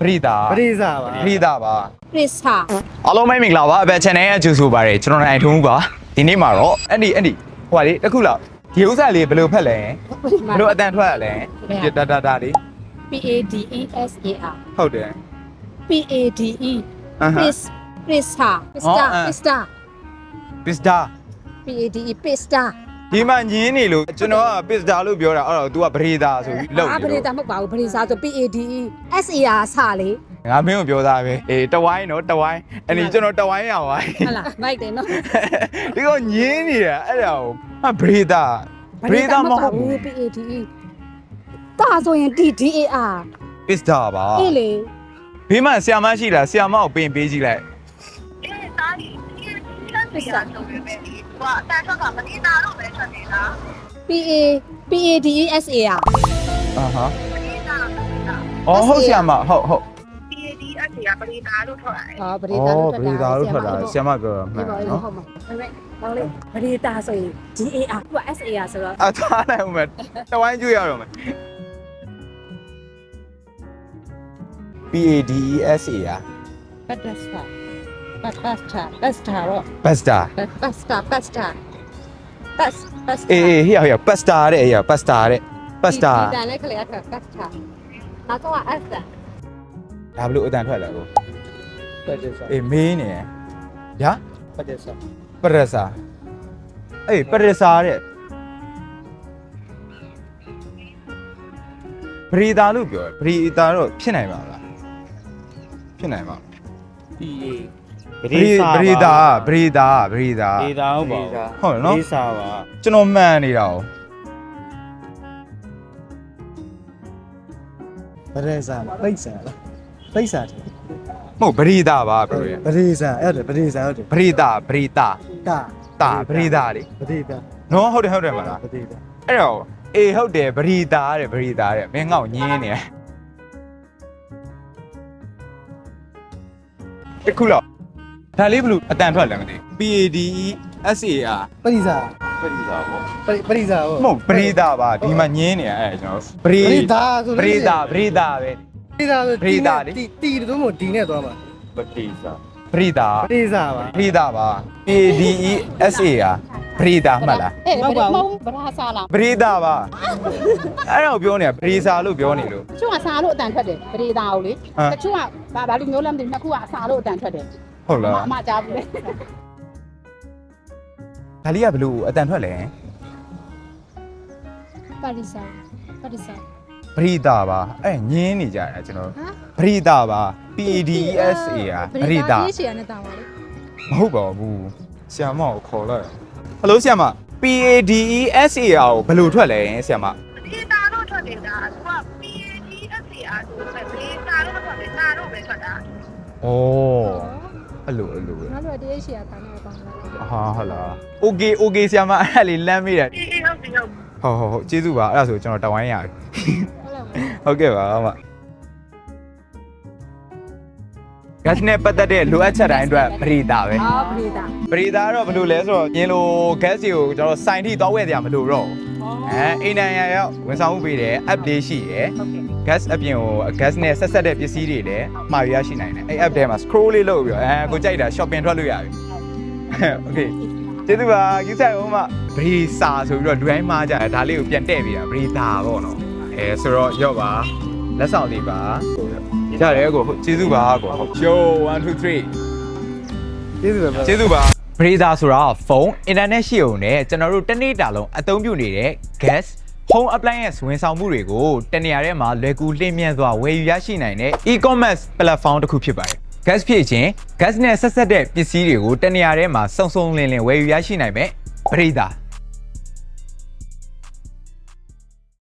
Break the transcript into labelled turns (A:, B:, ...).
A: ပရိဒါပရိဒါပါ
B: Prisa
A: အားလုံးပဲမင်္ဂလာပါအဘ channel ရဲ့အကျိုးဆိုပါတယ်ကျွန်တော်နိုင်ထုံးဦးပါဒီနေ့မှာတော့အဲ့ဒီဟိုပါလေတစ်ခုလောက်ဒီဥစ္စာလေးဘယ်လိုဖက်လဲဘယ်လိုအတန်ထွက်ရလဲဒါလေး
B: PADESAR
A: ဟုတ်တယ်
B: PADE Prisa
A: ပစ္စတာ
B: PADE Prisa
A: ဒီမှာညင်းနေလို့ကျွန်တော်ကပစ္စတာလို့ပြောတာအဲ့တော့ तू ကပရိဒါဆိုပြီးလောက်
B: ပရိဒါမဟုတ်ပါဘူးပရိစာဆို PADE SAR စလေ
A: ငါမင်းကိုပြောသားပဲအေးတဝိုင်းနော်တဝိုင်းအဲ့ဒီကျွန်တော်တဝိုင်းရပါ
B: ဟုတ်လားမိုက်တယ်နော်
A: ဒီကညင်းနေတာအဲ့ဒါကိုပရိဒါမဟုတ်ဘူး
B: PADE တာဆိုရင် DDAR
A: ပစ္စတာပါ
B: အေးလေ
A: ဘေးမှာဆီယာမရှိလားဆီယာမကိုပင်ပေးကြည့်လိုက်
B: Prisa
C: ဆိုပေမဲ့ဒီကအတန်ထွက်ကမတိတာတော့ပဲထွက်နေတာ
B: PADESAR
A: အာဟာ
C: မတိတာတော့မတိတာ
A: အော်ဟုတ်ဆီယာမဟုတ်
C: PAD အစီကပတိတာလို့ထွက်ရတယ်
B: ဟောပရိဒါလို့
A: ပရိဒါလို့ထွက်တာဆီယာမပြောတာမှန်နော်
B: ဟုတ်မှာဒါပေမဲ့မောင်လေးပရိဒါဆိုရင် DAR သူက SAR ဆိုတော့
A: အထားနိုင်ဦးမယ်တဝိုင်းကျွေးရတော့မယ် PADESAR
B: ပတ်စတာတော့
A: Pasta အေးဟိရ Pasta တဲ့ Pasta တဲ့ Pasta
B: ဒီတန်လေးခလေးကပတ်စတာနောက်တော့ S တာ
A: ဒါဘလို့အတန်ထွက်လာကို
D: Padesa.
A: အေးမင်းနေရ
D: Padesa.
A: ပရစာအေးပရစာတဲ့ပရိဒါလို့ပြောပရိဒါတော့ဖြစ်နိုင်ပါလားဖြစ်နိုင်ပါ
D: PA.
A: ပရိဒါဟုတ်ပါဘူး
D: Padesa ပါ
A: ကျွန်တော်မှန်နေတာ哦
E: Padesa ပိတ်ဆာလားပိတ်ဆာတယ်
A: မဟုတ်ပရိဒါပါပြောရ
E: Padesa အဲ့ဒါ Padesa ဟုတ်တယ်
A: ပရိဒါ
E: တာ
A: တာပရိဒါလေ
E: Padesa
A: နော်ဟုတ်တယ်မလား
E: Padesa
A: အဲ့တော့အေးဟုတ်တယ်ပရိဒါတဲ့မင်းငေါ့ညင်းနေတခုလောက်ဒါလေးဘလို့အတန်ထွက်လည်းမသိ PADESAR
E: Padesa
D: ပရိသာပေါ့
E: Padesa ဟုတ်
A: မဟုတ်ပရိဒါပါဒီမှာညင်းနေအဲ့ကျွန်တော်ပရိဒါပဲ
E: Padesa ဆို တီတို့မို့ဒီနဲ့သွားမှာ
D: ပတိစာ
A: ပရိဒါ
E: Padesa ပါ
A: ပရိဒါပါ PADESAR ပရိဒါမှတ်လား
B: အေးမဟုတ်ဘူးဗရာစားလား
A: ပရိဒါပါအဲ့တော့ပြောနေတာပရိစာလို့ပြောနေလို့
B: တချို့ကစားလို့အတန်ထွက်တယ်ပရိဒါကိုလေတချို့ကဘာလို့မျိုးလဲမသိဘူးနှစ်ခုကအစားလို့အတန်ထွက်တယ်
A: ဟုတ်လား
B: အမကြားဘူးလေ
A: ဒါလေးကဘလို့အတန်ထွက်လဲ
B: ပါရီစာ
A: ပရိဒါပါအဲ့ညင်းနေကြတာကျွန်တော်ပရိဒါပါ PADESAR ပရိဒါ
B: ရေးချင်ရတဲ့တာပါလေ
A: မဟုတ်ပါဘူးဆရာမကိုခေါ်လိုက်ဟယ်လိုဆရာမ PADESAR ကိုဘယ်လိုထွက်လဲဆရာမ
C: မတိတာတော့ထွက်နေတာသူက PAD အစီအဆိုပေမဲ့ပတိတာတော့ထွက်နေတာတော့ပဲထွက်တာ
A: ဩအဲ့လိုပဲ
B: ငါတို့တရေးချင်ရတာနဲ့ပေါင်းလာတယ်
A: ဟာဟုတ်လား Okay ဆရာမအဲ့လေးလမ်းမေးတာ
C: အေးဟုတ်ပြီဟုတ်
A: ဟုတ်ကျေးဇူးပါအဲ့ဒါဆိုကျွန်တော်တဝိုင်းရပြီဟုတ်ကဲ့ပါမ gas နဲ့ပတ်သက်တဲ့လိုအပ်ချက်တိုင်းအတွက်ပရိဒါပဲ
B: အော်ပရိဒါ
A: ပရိဒါကတော့ဘယ်လိုလဲဆိုတော့ညင်လို gas တွေကိုကျွန်တော်စိုင်ထိသွားဝယ်ကြမလို့တော့အိမ်နိုင်ရရောက်ဝန်ဆောင်မှုပေးတယ် app လေးရှိရယ် gas အပြင်ကို gas နဲ့ဆက်ဆက်တဲ့ပစ္စည်းတွေလည်းမှာယူရရှိနိုင်တယ်အဲ့ app ထဲမှာ scroll လေးလုပ်ပြီးတော့ကိုကြိုက်တာ shopping ထွက်လို့ရပြီ okay ကျေးဇူးပါကြီးဆိုင်အောင်မပရိစာဆိုပြီးတော့လူတိုင်းမှားကြတယ်ဒါလေးကိုပြန်တဲ့ပြီးတာပရိဒါပေါ့နော်ဆိုတော့ရော့ပါလက်ဆောင်လေးပါရတယ်ကိုကျေးဇူးပါကိုဟုတ် show 1 2 3
E: ကျေးဇူးပါ
A: ကျေးဇူးပါပရိဒါဆိုတာဖုန်း internet ရှိုံနဲ့ကျွန်တော်တို့တစ်နေ့တာလုံးအသုံးပြုနေတဲ့ gas home appliance ဝန်ဆောင်မှုတွေကိုတနေရာထဲမှာလွယ်ကူလျင်မြန်စွာဝယ်ယူရရှိနိုင်တဲ့ e-commerce platform တစ်ခုဖြစ်ပါတယ် gas ဖြစ်ခြင်း gas နဲ့ဆက်ဆက်တဲ့ပစ္စည်းတွေကိုတနေရာထဲမှာစုံစုံလင်လင်ဝယ်ယူရရှိနိုင်မယ်ပရိဒါ